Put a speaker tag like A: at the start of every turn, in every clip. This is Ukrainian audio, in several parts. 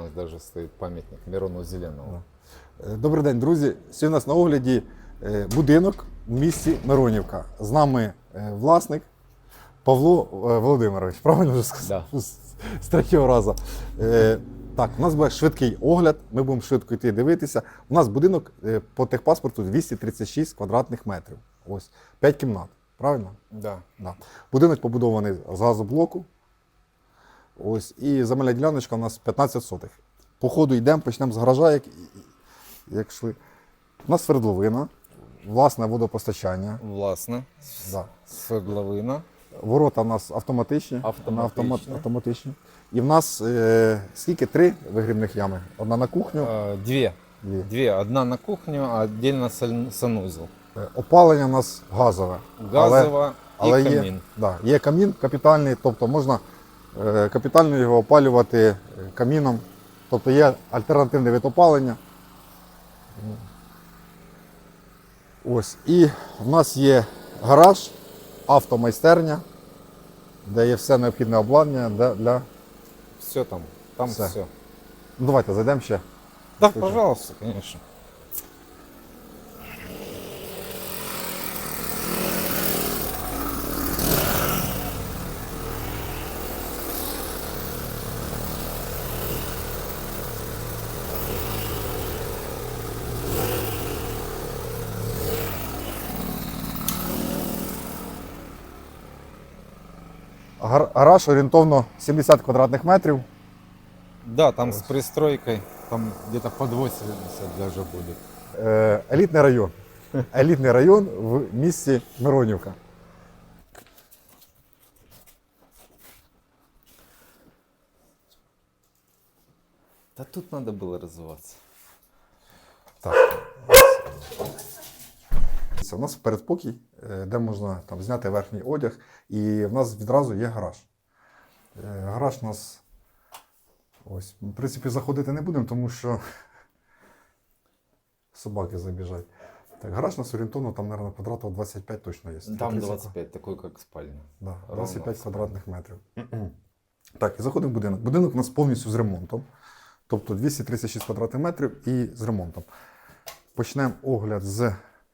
A: нас даже стоит памятник Мирону Зеленому.
B: Добрий день, друзі. Сьогодні у нас на огляді будинок в місті Миронівка. З нами власник Павло Володимирович. Правильно вже сказав?
A: Да.
B: З третього разу. Так, у нас буде швидкий огляд, ми будемо швидко йти дивитися. У нас будинок по техпаспорту 236 квадратних метрів. Ось, 5 кімнат. Правильно?
A: Да.
B: Да. Будинок побудований з газоблоку. Ось, і земельна діляночка у нас 15 сотих. По ходу йдемо, почнемо з гаража, як йшли. У нас свердловина, власне водопостачання.
A: Власне.
B: Да.
A: Свердловина.
B: Ворота у нас автоматичні.
A: Автоматичні.
B: Автоматичні. І в нас скільки? 3 вигрібних ями. Одна на кухню.
A: Две.
B: Дві.
A: Две. Одна на кухню, а отдельно санузел.
B: Опалення у нас газове.
A: Газова
B: але
A: і
B: є,
A: камін.
B: да, є камін капітальний, тобто можна капітально його опалювати каміном. Тобто є альтернативний вид опалення. Ось. І в нас є гараж, автомайстерня, де є все необхідне обладнання для.
A: Все там. Там
B: Все.
A: все.
B: Ну, давайте зайдемо ще.
A: Да, пожалуйста, конечно.
B: Гараж орієнтовно 70 квадратних метрів.
A: Да, там с пристройкой, там где-то под 80 даже будет.
B: Елітний район. Елітний район в місті Миронівка.
A: Да тут надо было развиваться.
B: Так. Це у нас передпокій, де можна там зняти верхній одяг, і в нас відразу є гараж. Гараж у нас, ось, в принципі, заходити не будемо, тому що собаки забіжать. Так, гараж у нас орієнтовно, там, мабуть, квадратів 25 точно є.
A: Там 25, такой как спальня.
B: Да,
A: Ровно
B: 25
A: в
B: квадратних метрів. Так, і заходимо в будинок. Будинок у нас повністю з ремонтом. Тобто 236 квадратних метрів і з ремонтом. Почнемо огляд з.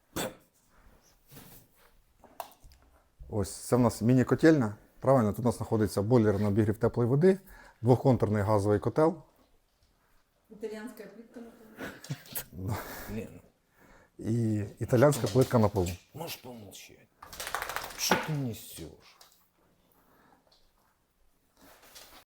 B: Ось, це в нас міні-котельня. Правильно, тут у нас знаходиться бойлер на обігрів теплої води, двохконтурний газовий котел.
C: Итальянская плитка.
A: Лена,
B: І італійська плитка на полу.
A: можешь помолчать? Что ты несешь?